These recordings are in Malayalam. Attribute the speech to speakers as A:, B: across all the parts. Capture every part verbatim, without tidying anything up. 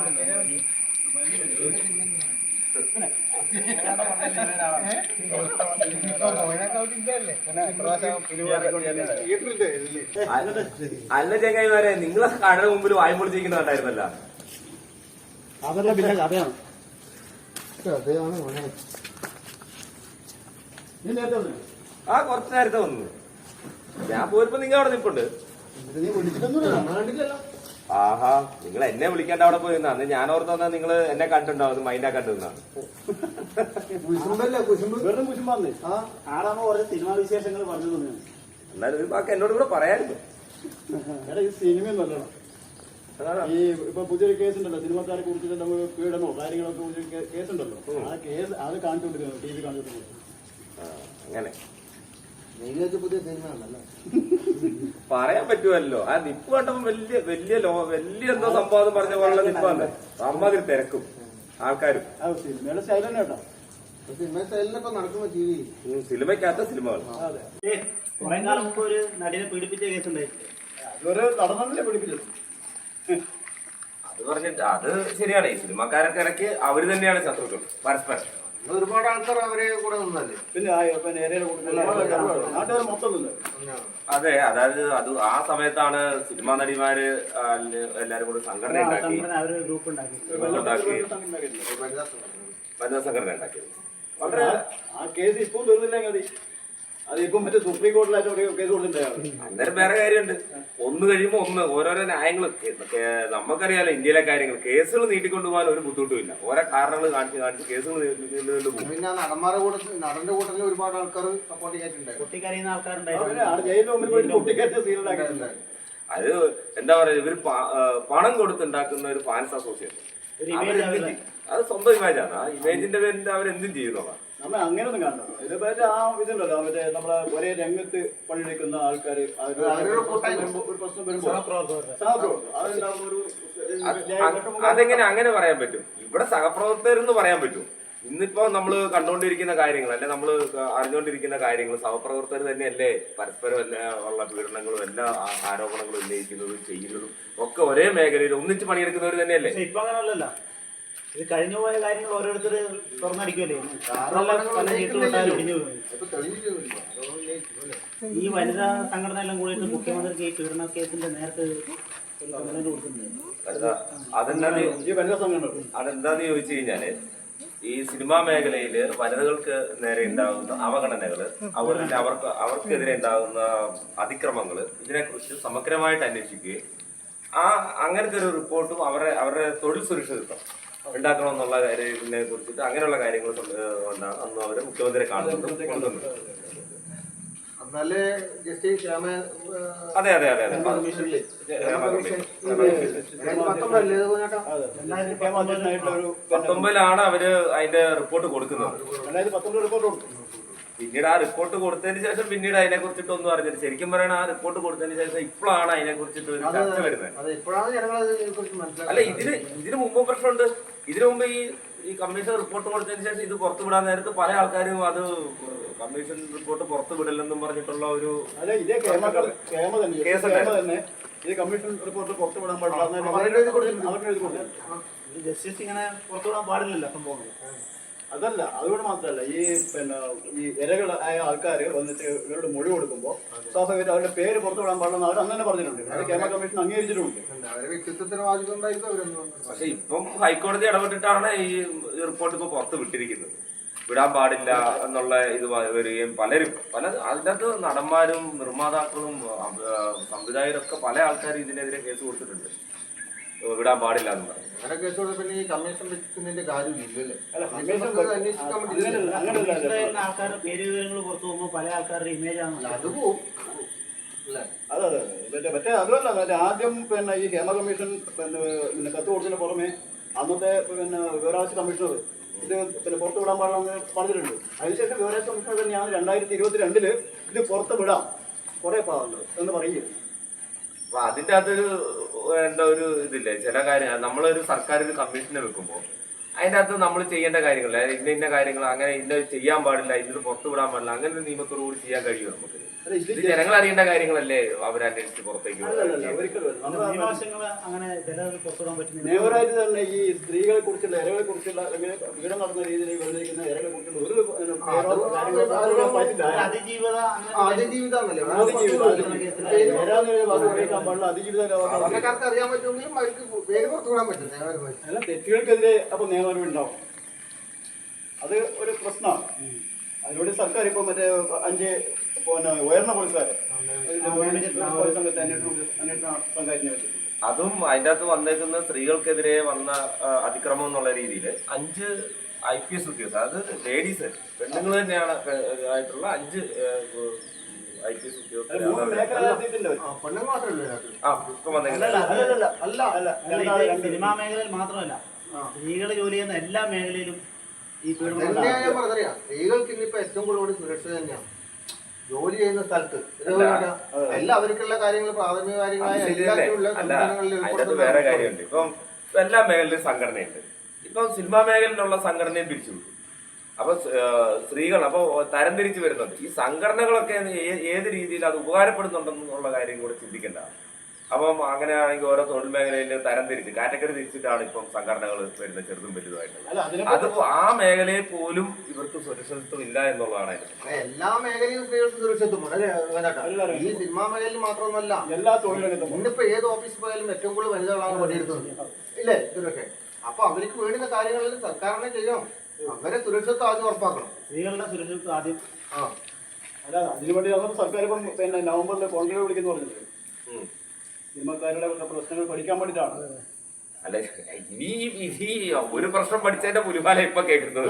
A: അല്ല ചങ്ങായിമാരെ, നിങ്ങളെ കടയുടെ മുമ്പിൽ വായും പൊളിച്ചിരിക്കുന്നുണ്ടായിരുന്നല്ല.
B: അതല്ല പിന്നെ കഥയാണ്.
A: ആ കുറച്ച് നേരത്തെ വന്നു. ഞാൻ പോയപ്പോ നിങ്ങൾ അവിടെ നിൽപ്പുണ്ട്. ആഹാ, നിങ്ങൾ എന്നെ വിളിക്കാണ്ട് അവിടെ പോയി നിന്നാ. അന്ന് ഞാൻ ഓർത്ത് വന്നാൽ നിങ്ങൾ എന്നെ കണ്ടിട്ടുണ്ടാവും, മൈൻഡാ കണ്ടിരുന്നാണ്.
B: വെറും കുശുമ്പാന്നേ. ആടാമോ ഓരോ സിനിമാ വിശേഷങ്ങൾ പറഞ്ഞു തന്നെയാണ്.
A: എന്നാലും ഒരു ബാക്കി എന്നോട് കൂടെ പറയായിരുന്നു.
B: എടാ ഈ സിനിമയും നല്ലതാണ്. ഈ ഇപ്പൊ പുതിയൊരു കേസുണ്ടല്ലോ, സിനിമക്കാരെ കുറിച്ചിട്ട് നമ്മൾ പീഡനോ കാര്യങ്ങളൊക്കെ കേസുണ്ടല്ലോ. ആ കേസ് അത് കാണിച്ചുകൊണ്ടിരിക്കുന്നു, ടി വി കാണിച്ചുകൊണ്ടിരിക്കുന്നു.
A: അങ്ങനെ
B: പുതിയ സിനിമ ആണല്ലോ,
A: പറയാൻ പറ്റുമല്ലോ. ആ നിപ്പ് കണ്ടപ്പോ വലിയ വലിയ ലോ വലിയ എന്തോ സംഭവം പറഞ്ഞ പോലുള്ള നിപ്പാണ്. അമ്മാതിരി തിരക്കും ആൾക്കാരും.
B: സിനിമയുടെ സ്റ്റൈൽ തന്നെ കേട്ടോ.
C: സിനിമ സ്റ്റൈലിനൊക്കെ നടക്കുന്ന ടി വി
A: സിനിമയ്ക്കകത്ത സിനിമകൾ.
B: കുറെ കാലം മുമ്പ് ഒരു നടിനെ പീഡിപ്പിച്ച കേസ് ഉണ്ടായിട്ടില്ലേ? അതൊരു നടന്നല്ലേ പീഡിപ്പിച്ചത്.
A: അത് പറഞ്ഞിട്ട് അത് ശരിയാണ്. ഈ സിനിമക്കാരൊക്കെ ഇടയ്ക്ക് അവര് തന്നെയാണ് ശത്രുക്കൾ പരസ്പരം.
C: ഒരുപാട് ആൾക്കാർ അവരെ കൂടെ നിന്നല്ലേ.
B: പിന്നെ നാട്ടുകാർ മൊത്തം നിന്ന്.
A: അതെ, അതായത് അത് ആ സമയത്താണ് സിനിമാ നടിമാര് എല്ലാരും കൂടെ സംഘടന ഉണ്ടാക്കി
B: ഗ്രൂപ്പ് ഉണ്ടാക്കി
A: വനിതാ സംഘടന ഉണ്ടാക്കിയത്.
B: വളരെ ആ കേസ് ഇപ്പം തീർന്നില്ലെങ്കിൽ അതിപ്പം മറ്റേ സുപ്രീം കോടതിയിലായിട്ട് ഒരു കേസ് കൊടുത്തിട്ടുണ്ടായിരുന്നു.
A: അന്നേരം വേറെ കാര്യമുണ്ട്. ഒന്ന് കഴിയുമ്പോ ഒന്ന് ഓരോരോ ന്യായങ്ങൾ. നമുക്കറിയാലോ ഇന്ത്യയിലെ കാര്യങ്ങൾ. കേസുകൾ നീട്ടിക്കൊണ്ടുപോകാൻ ഒരു ബുദ്ധിമുട്ടുമില്ല. ഓരോ കാരണങ്ങൾ കാണിച്ച് കാണിച്ച് കേസുകൾ നീണ്ടുകൊണ്ട് പോകും.
C: പിന്നെ നടന്മാരുടെ കൂട്ടത്തിൽ നടന്റെ കൂട്ടത്തിൽ ഒരുപാട് ആൾക്കാർ സപ്പോർട്ട് ചെയ്തിട്ടുണ്ടായിരുന്നു.
B: പൊട്ടിക്കറിയുന്ന ആൾക്കാരുണ്ടായിരുന്നു.
A: അത് എന്താ പറയാ, ഇവര് പണം കൊടുത്തുണ്ടാക്കുന്ന ഒരു ഫാൻസ് അസോസിയേഷൻ. അത് സ്വന്തം ഇമേജാണ്. ആ ഇമേജിന്റെ പേരിൽ അവരെന്തും ചെയ്യുന്നതാണ്.
B: നമ്മൾ അങ്ങനെയൊന്നും കാണണം. ഇതിപ്പോ ആ ഇതുണ്ടല്ലോ, മറ്റേ നമ്മളെ ഒരേ രംഗത്ത് പണിയെടുക്കുന്ന ആൾക്കാർ ഒരു പ്രശ്നം വരുമ്പോൾ
A: അതെങ്ങനെ അങ്ങനെ പറയാൻ പറ്റും? ഇവിടെ സഹപ്രവർത്തകരെന്ന് പറയാൻ പറ്റും. ഇന്നിപ്പോ നമ്മള് കണ്ടുകൊണ്ടിരിക്കുന്ന കാര്യങ്ങൾ അല്ലെ, നമ്മള് അറിഞ്ഞുകൊണ്ടിരിക്കുന്ന കാര്യങ്ങൾ സഹപ്രവർത്തകർ തന്നെയല്ലേ പരസ്പരം എല്ലാ ഉള്ള പീഡനങ്ങളും എല്ലാ ആരോപണങ്ങളും ഉന്നയിക്കുന്നതും ചെയ്യുന്നതും ഒക്കെ ഒരേ മേഖലയിൽ ഒന്നിച്ച് പണിയെടുക്കുന്നവർ തന്നെയല്ലേ.
B: ഇപ്പൊ അങ്ങനെയല്ല. ഇത് കഴിഞ്ഞു പോയ കാര്യങ്ങൾ ഓരോരുത്തർ തുറന്നടിക്കുമല്ലേ. ഈ വനിതാ സംഘടന എല്ലാം കൂടിയിട്ട് മുഖ്യമന്ത്രിക്ക് ഈ പീഡന കേസിന്റെ നേരത്തെ
A: അതെന്താന്ന് ചോദിച്ചു കഴിഞ്ഞാല്, ഈ സിനിമാ മേഖലയില് വനിതകൾക്ക് നേരെ ഉണ്ടാകുന്ന അവഗണനകള്, അവരുടെ അവർക്ക് അവർക്കെതിരെ ഉണ്ടാകുന്ന അതിക്രമങ്ങള്, ഇതിനെക്കുറിച്ച് സമഗ്രമായിട്ട് അന്വേഷിക്കുകയും ആ അങ്ങനത്തെ ഒരു റിപ്പോർട്ടും അവരുടെ അവരുടെ തൊഴിൽ സുരക്ഷിതത്വം ഉണ്ടാക്കണമെന്നുള്ള കാര്യത്തിനെ കുറിച്ചിട്ട് അങ്ങനെയുള്ള കാര്യങ്ങൾ കൊണ്ടാണ് അന്ന് അവര് മുഖ്യമന്ത്രിയെ കാണുന്നത് കൊണ്ടുവന്നത്. അതെ അതെ അതെ അതെ പത്തൊമ്പതിലാണ് അവര് അതിന്റെ റിപ്പോർട്ട് കൊടുക്കുന്നത്. പിന്നീട് ആ റിപ്പോർട്ട് കൊടുത്തതിന് ശേഷം പിന്നീട് അതിനെ കുറിച്ചിട്ട് ഒന്നും അറിഞ്ഞില്ല. ശരിക്കും പറയണ ആ റിപ്പോർട്ട് കൊടുത്തതിന് ശേഷം ഇപ്പോഴാണ് അതിനെ കുറിച്ചിട്ട് ഒരു ചർച്ച വരുന്നത്. അല്ല, ഇതിന് ഇതിന് മുമ്പ് പ്രശ്നമുണ്ട്. ഇതിനു മുമ്പ് ഈ ഈ കമ്മീഷൻ റിപ്പോർട്ട് കൊടുത്തതിന് ശേഷം ഇത് പുറത്തു വിടാൻ നേരത്ത് പല ആൾക്കാരും അത് കമ്മീഷൻ റിപ്പോർട്ട് പുറത്തു വിടില്ലെന്നും പറഞ്ഞിട്ടുള്ള ഒരു
B: കമ്മീഷൻ റിപ്പോർട്ട് പുറത്തു വിടാൻ പാടില്ല. ജസ്റ്റിസ് ഇങ്ങനെ പുറത്തു വിടാൻ പാടില്ലല്ലോ സംഭവം. അതല്ല, അതുകൊണ്ട് മാത്രമല്ല, ഈ പിന്നെ ഈ ഇരകളായ ആൾക്കാർ വന്നിട്ട് ഇവരോട് മൊഴി കൊടുക്കുമ്പോൾ സ്വാഭാവികമായിട്ട് അവരുടെ പേര് പുറത്തു വിടാൻ പാടില്ലെന്ന് അവർ അന്ന് തന്നെ പറഞ്ഞിട്ടുണ്ട്. അത് കേരള കമ്മീഷൻ അംഗീകരിച്ചിട്ടുണ്ട്.
A: പക്ഷെ ഇപ്പം ഹൈക്കോടതി ഇടപെട്ടിട്ടാണ് ഈ റിപ്പോർട്ട് ഇപ്പൊ പുറത്ത് വിട്ടിരിക്കുന്നത്. വിടാൻ പാടില്ല എന്നുള്ള ഇത് വരികയും പലരും പല അതിനകത്ത് നടന്മാരും നിർമ്മാതാക്കളും സംവിധായകരൊക്കെ പല ആൾക്കാരും ഇതിനെതിരെ കേസ് കൊടുത്തിട്ടുണ്ട്. വിടാൻ പാടില്ല എന്ന് പറഞ്ഞു.
C: അങ്ങനെ കേസ് കൊടുത്തപ്പോൾ ഈ കമ്മീഷൻ വെക്കുന്നതിന്റെ കാര്യമില്ലല്ലേ.
B: ആൾക്കാരുടെ പേര് വിവരങ്ങൾ പുറത്തു പോകുമ്പോൾ പല ആൾക്കാരുടെ ഇമേജ് ആണ്
C: അത് പോകും.
B: അതെ അതെ മറ്റേ മറ്റേ അതുമല്ല, മറ്റേ ആദ്യം പിന്നെ ഈ ഹേമ കമ്മീഷൻ പിന്നെ പിന്നെ കത്ത് കൊടുത്തതിന് പുറമെ അന്നത്തെ പിന്നെ വിവരാവകാശ കമ്മീഷണർ ഇത് പിന്നെ പുറത്ത് വിടാൻ പാടില്ലെന്ന് പറഞ്ഞിട്ടുണ്ട്. അതിനുശേഷം വിവരാവകാശ കമ്മീഷണർ തന്നെയാണ് രണ്ടായിരത്തി ഇരുപത്തി രണ്ടില് ഇത് പുറത്ത് വിടാം കുറെ പാടുള്ളത് എന്ന് പറയുകയും.
A: അപ്പൊ അതിന്റെ അകത്തൊരു എന്താ ഒരു ഇതില്ലേ, ചില കാര്യം നമ്മളൊരു സർക്കാർ ഒരു കമ്മീഷനെ വെക്കുമ്പോൾ അതിൻ്റെ അകത്ത് നമ്മൾ ചെയ്യേണ്ട കാര്യങ്ങൾ, അതായത് ഇന്ന ഇന്ന കാര്യങ്ങൾ അങ്ങനെ ഇന്ന ചെയ്യാൻ പാടില്ല, ഇന്നത് പുറത്തു വിടാൻ പാടില്ല, അങ്ങനെ ഒരു നിയമത്തോടു കൂടി ചെയ്യാൻ കഴിയും നമുക്ക്. ഇത് ജനങ്ങൾ അറിയേണ്ട കാര്യങ്ങളല്ലേ അവരന്വേഷിച്ച് പുറത്തേക്ക്
B: നിയമപരമായിട്ട് തന്നെ ഈ സ്ത്രീകളെ കുറിച്ചുള്ള ഇരകളെ കുറിച്ചുള്ള അല്ലെങ്കിൽ പീഡനം നടന്ന രീതിയിൽ വന്നിരിക്കുന്ന ഇരകളെ കുറിച്ചുള്ള ഒരു
C: അതിജീവിതം അറിയാൻ പറ്റുമെങ്കിലും അവർക്ക് പേര് പുറത്തു വിടാൻ പറ്റും.
B: അല്ല, തെറ്റുകൾക്കെതിരെ അപ്പൊ നിയമനം ഉണ്ടാവും. അത് ഒരു പ്രശ്നമാണ്. അതിലൂടെ സർക്കാർ ഇപ്പൊ മറ്റേ അഞ്ച് പിന്നെ ഉയർന്ന പോലീസുകാരെ സംഘത്തെ അന്വേഷണ സംഘത്തിനെ വെച്ചിട്ടുണ്ട്.
A: അതും അതിൻ്റെ അകത്ത് വന്നേക്കുന്ന സ്ത്രീകൾക്കെതിരെ വന്ന അതിക്രമം എന്നുള്ള രീതിയിൽ അഞ്ച് ഐ പി എസ് ഉദ്യോഗസ്ഥർ, അത് ലേഡീസ് പെണ്ണുങ്ങൾ തന്നെയാണ് ആയിട്ടുള്ള അഞ്ച് ഐ പി എസ് ഉദ്യോഗസ്ഥർ
D: സിനിമാ മേഖലയിൽ മാത്രമല്ല, സ്ത്രീകൾ ജോലി ചെയ്യുന്ന എല്ലാ മേഖലയിലും ഈ
C: പറഞ്ഞറിയാം. സ്ത്രീകൾക്ക് ഇന്നിപ്പോ ഏറ്റവും കൂടുതൽ സുരക്ഷ തന്നെയാണ് ജോലി ചെയ്യുന്ന സ്ഥലത്ത്. എല്ലാവർക്കുള്ള കാര്യങ്ങൾ പ്രാഥമിക കാര്യങ്ങളായ
A: വേറെ കാര്യമുണ്ട്. ഇപ്പം എല്ലാ മേഖലയിലും സംഘടനയുണ്ട്. ഇപ്പം സിനിമാ മേഖലയിലുള്ള സംഘടനയും പിരിച്ചുവിട്ടു. അപ്പൊ സ്ത്രീകൾ അപ്പൊ തരംതിരിച്ച് വരുന്നുണ്ട്. ഈ സംഘടനകളൊക്കെ ഏത് രീതിയിൽ അത് ഉപകാരപ്പെടുന്നുണ്ടെന്നുള്ള കാര്യം കൂടെ ചിന്തിക്കേണ്ട. അപ്പം അങ്ങനെയാണെങ്കിൽ ഓരോ തൊഴിൽ മേഖലയിൽ തരംതിരിച്ച് കാറ്റഗറി തിരിച്ചിട്ടാണ് ഇപ്പം സംഘടനകൾ വരുന്നത്, ചെറുതും വലുതുമായിട്ട്. അത് ആ മേഖലയിൽ പോലും ഇവർക്ക് സുരക്ഷിതത്വം ഇല്ല എന്നുള്ളതാണ്.
C: എല്ലാ മേഖലയും സ്ത്രീകൾക്ക് സുരക്ഷിതത്വം ഈ സിനിമാ മേഖലയിൽ മാത്രമൊന്നുമല്ല,
B: എല്ലാ തൊഴിലും.
C: ഇന്നിപ്പോ ഏത് ഓഫീസിൽ പോയാലും ഏറ്റവും കൂടുതൽ വനിതകളാണ് പണിയെടുക്കുന്നത്, ഇല്ലേ സുരക്ഷ? അപ്പൊ അവർക്ക് വേണ്ടുന്ന കാര്യങ്ങളിൽ സർക്കാരിനെ ചെയ്യണം. അവരെ സുരക്ഷിതത്വം ആദ്യം ഉറപ്പാക്കണം.
D: സ്ത്രീകളുടെ സുരക്ഷിതത്വം ആദ്യം.
C: ആ
B: അല്ല, അതിനുവേണ്ടി സർക്കാർ ഇപ്പം പിന്നെ നവംബറിൽ കോൺക്ലേവ് വിളിക്കുന്നു പറഞ്ഞത് സിനിമക്കാരുടെ പ്രശ്നങ്ങൾ പഠിക്കാൻ വേണ്ടിയിട്ടാണ്.
A: അല്ല, ഇനി ഈ ഒരു പ്രശ്നം പഠിച്ചതിന്റെ പുലിമാല ഇപ്പൊ കേൾക്കുന്നത്.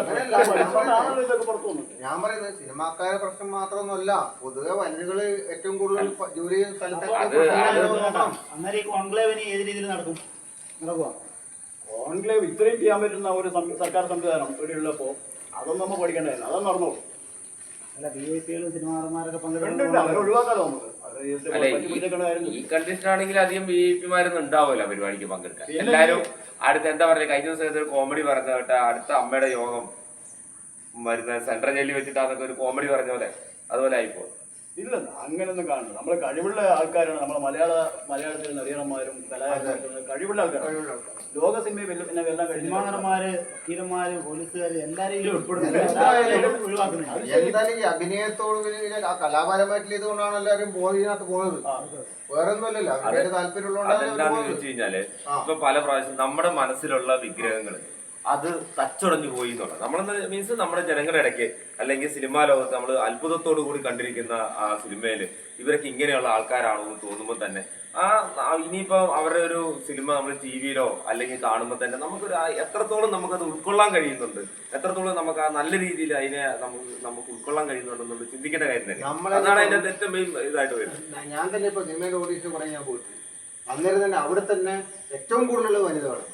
C: ഞാൻ പറയുന്നത് സിനിമാക്കാരുടെ പ്രശ്നം മാത്രമൊന്നുമല്ല, പൊതുവെ വനിതകള് ഏറ്റവും കൂടുതൽ ജോലി ചെയ്യുന്ന സ്ഥലത്തൊക്കെ
D: അന്നേരം ഈ കോൺക്ലേവിന് ഏത് രീതിയിൽ നടക്കും നടക്കുക?
B: കോൺക്ലേവ് ഇത്രയും ചെയ്യാൻ പറ്റുന്ന ഒരു സർക്കാർ സംവിധാനം ഇവിടെ ഉള്ളപ്പോ അതൊന്നും നമ്മൾ പഠിക്കേണ്ടതല്ല, അതൊന്നും നടന്നോളൂ.
D: അല്ല, ബി ഐ പികളും സിനിമാമാരൊക്കെ
B: ഒഴിവാക്കാലോ നമുക്ക്.
A: ഈ കണ്ടീഷൻ ആണെങ്കിൽ അധികം ബി ഐ പിമാരൊന്നും ഉണ്ടാവില്ല പരിപാടിക്ക് പങ്കെടുക്കാൻ. എല്ലാരും അടുത്ത എന്താ പറയുക, കഴിഞ്ഞ ദിവസം ഒരു കോമഡി പറഞ്ഞ കേട്ട അടുത്ത അമ്മയുടെ യോഗം വരുന്ന സെൻട്രൽ ജയിലിൽ വെച്ചിട്ടാന്നൊക്കെ ഒരു കോമഡി പറഞ്ഞ പോലെ അതുപോലെ ആയിപ്പോ.
B: ഇല്ല, അങ്ങനെയൊന്നും കാണുന്നത് നമ്മളെ കഴിവുള്ള ആൾക്കാരാണ്. നമ്മളെ മലയാള മലയാളത്തിൽ നടിയന്മാരും കലാകാരന്മാരും കഴിവുള്ള ആൾക്കാരാണ്. ലോക സിനിമയിൽ പിന്നെ എല്ലാം
D: സിനിമാനന്മാര് വക്കീലന്മാര് പോലീസുകാര് എല്ലാരെയും
C: എന്തായാലും ഈ അഭിനയത്തോട് കലാപരമായിട്ടുള്ള ഇതുകൊണ്ടാണ് എല്ലാവരും ബോധിനകത്ത് പോകുന്നത്, വേറെ ഒന്നുമല്ലല്ലോ. അവരുടെ താല്പര്യമുള്ളതുകൊണ്ടാണ്.
A: അതെന്താന്ന് ചോദിച്ചു കഴിഞ്ഞാല് ഇപ്പൊ പല പ്രാവശ്യം നമ്മുടെ മനസ്സിലുള്ള വിഗ്രഹങ്ങള് അത് തച്ചുടഞ്ഞു പോയി എന്നുള്ളത് നമ്മളെന്ന് മീൻസ് നമ്മുടെ ജനങ്ങളുടെ ഇടയ്ക്ക് അല്ലെങ്കിൽ സിനിമാ ലോകത്ത് നമ്മൾ അത്ഭുതത്തോടു കൂടി കണ്ടിരിക്കുന്ന ആ സിനിമയില് ഇവരൊക്കെ ഇങ്ങനെയുള്ള ആൾക്കാരാണോ എന്ന് തോന്നുമ്പോൾ തന്നെ ആ ഇനിയിപ്പോ അവരുടെ ഒരു സിനിമ നമ്മൾ ടി വിയിലോ അല്ലെങ്കിൽ കാണുമ്പോൾ തന്നെ നമുക്കൊരു എത്രത്തോളം നമുക്കത് ഉൾക്കൊള്ളാൻ കഴിയുന്നുണ്ട്, എത്രത്തോളം നമുക്ക് ആ നല്ല രീതിയിൽ അതിനെ നമുക്ക് നമുക്ക് ഉൾക്കൊള്ളാൻ കഴിയുന്നുണ്ടെന്നുള്ളത് ചിന്തിക്കേണ്ട കാര്യം തന്നെ. അതാണ് അതിന്റെ ഏറ്റവും മെയിൻ ഇതായിട്ട് വരുന്നത്.
C: ഞാൻ തന്നെ ഇപ്പൊ സിനിമയുടെ ഓഡീഷൻ കുറെ ഞാൻ പോയിട്ട് അന്നേരം തന്നെ അവിടെ തന്നെ ഏറ്റവും കൂടുതലുള്ള വനിതകളാണ്.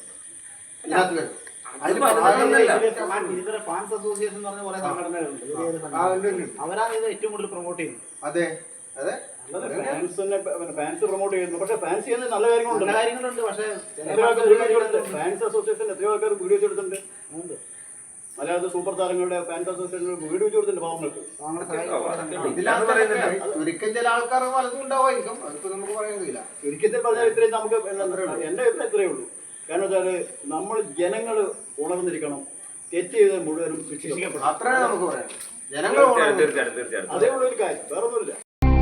D: ഫാൻസ് അസോസിയേഷൻ എന്ന് പറഞ്ഞ കുറെ സംഘടനകളുണ്ട്, അവരാണ് ഇത് ഏറ്റവും കൂടുതൽ പ്രൊമോട്ട് ചെയ്യുന്നത്.
C: അതെ അതെ,
B: ഫാൻസ് പ്രൊമോട്ട് ചെയ്യുന്നു. പക്ഷെ ഫാൻസ് ചെയ്യുന്ന നല്ല കാര്യങ്ങളുണ്ട്,
D: നല്ല കാര്യങ്ങളുണ്ട്. പക്ഷെ
B: ഫാൻസ് അസോസിയേഷൻ എത്രയോ ആൾക്കാർ വീഡിയോ വെച്ചെടുത്തിട്ടുണ്ട്. മലയാളത്തിൽ സൂപ്പർ താരങ്ങളുടെ ഫാൻസ് അസോസിയേഷൻ വീഡിയോ വെച്ച് കൊടുത്തിട്ടുണ്ട് പാവങ്ങൾക്ക്.
C: ഒരിക്കൽ ചില ആൾക്കാർ പലതും ഉണ്ടാവുമായിരിക്കും, അതിപ്പോ നമുക്ക് പറയാൻ കഴിയില്ല.
B: ഒരിക്കൽ പറഞ്ഞാൽ ഇത്രയും നമുക്ക് എന്റെ അഭിപ്രായം ഇത്രയേ ഉള്ളൂ. കാരണം വെച്ചാല് നമ്മൾ ജനങ്ങൾ ഉണർന്നിരിക്കണം, തെറ്റ് ചെയ്ത് മുഴുവനും ശിക്ഷിക്കപ്പെടും.
C: അത്രേ നമുക്ക് പറയാം. ജനങ്ങൾ
A: തീർച്ചയായിട്ടും തീർച്ചയായിട്ടും
B: അതേ ഉള്ള ഒരു കാര്യം, വേറെ ഒന്നുമില്ല.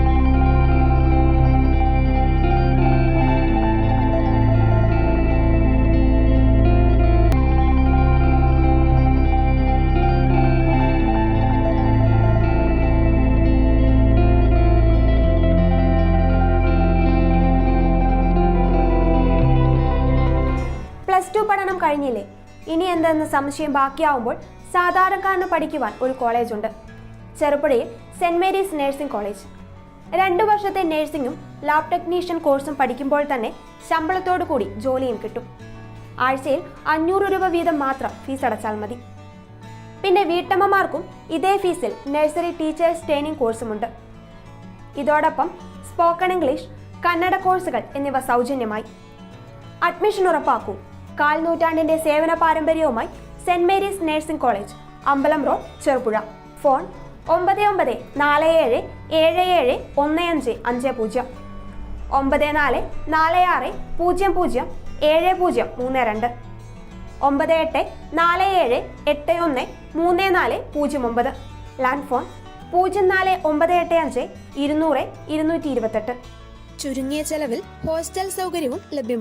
E: പ്ലസ് ടു പഠനം കഴിഞ്ഞില്ലേ, ഇനി എന്തെന്ന് സംശയം ബാക്കിയാവുമ്പോൾ സാധാരണക്കാരന് പഠിക്കുവാൻ ഒരു കോളേജുണ്ട്. ചെറുപുഴയിൽ സെന്റ് മേരീസ് നഴ്സിംഗ് കോളേജ്. രണ്ടു വർഷത്തെ നഴ്സിംഗും ലാബ് ടെക്നീഷ്യൻ കോഴ്സും പഠിക്കുമ്പോൾ തന്നെ ശമ്പളത്തോടു കൂടി ജോലിയും കിട്ടും. ആഴ്ചയിൽ അഞ്ഞൂറ് രൂപ വീതം മാത്രം ഫീസ് അടച്ചാൽ മതി. പിന്നെ വീട്ടമ്മമാർക്കും ഇതേ ഫീസിൽ നഴ്സറി ടീച്ചേഴ്സ് ട്രെയിനിങ് കോഴ്സുമുണ്ട്. ഇതോടൊപ്പം സ്പോക്കൺ ഇംഗ്ലീഷ്, കന്നഡ കോഴ്സുകൾ എന്നിവ സൗജന്യമായി. അഡ്മിഷൻ ഉറപ്പാക്കൂ. കാൽ നൂറ്റാണ്ടിന്റെ സേവന പാരമ്പര്യവുമായി സെന്റ് മേരീസ് നഴ്സിംഗ് കോളേജ്, അമ്പലം റോഡ്, ചെറുപുഴ. ഫോൺ ഒമ്പത് ഒമ്പത് നാല് ഏഴ് ഏഴ് ഏഴ് ഒന്ന് അഞ്ച് അഞ്ച് പൂജ്യം, ഒമ്പത് നാല് നാല് ആറ് പൂജ്യം പൂജ്യം ഏഴ് പൂജ്യം മൂന്ന് രണ്ട്, ഒമ്പത് എട്ട് നാല് ഏഴ് എട്ട് ഒന്ന് മൂന്ന് നാല് പൂജ്യം ഒമ്പത്. ലാൻഡ് ഫോൺ പൂജ്യം നാല് ഒമ്പത് എട്ട് അഞ്ച് ഇരുന്നൂറ് ഇരുന്നൂറ്റി ഇരുപത്തെട്ട്. ചുരുങ്ങിയ ചെലവിൽ ഹോസ്റ്റൽ സൗകര്യവും ലഭ്യമാണ്.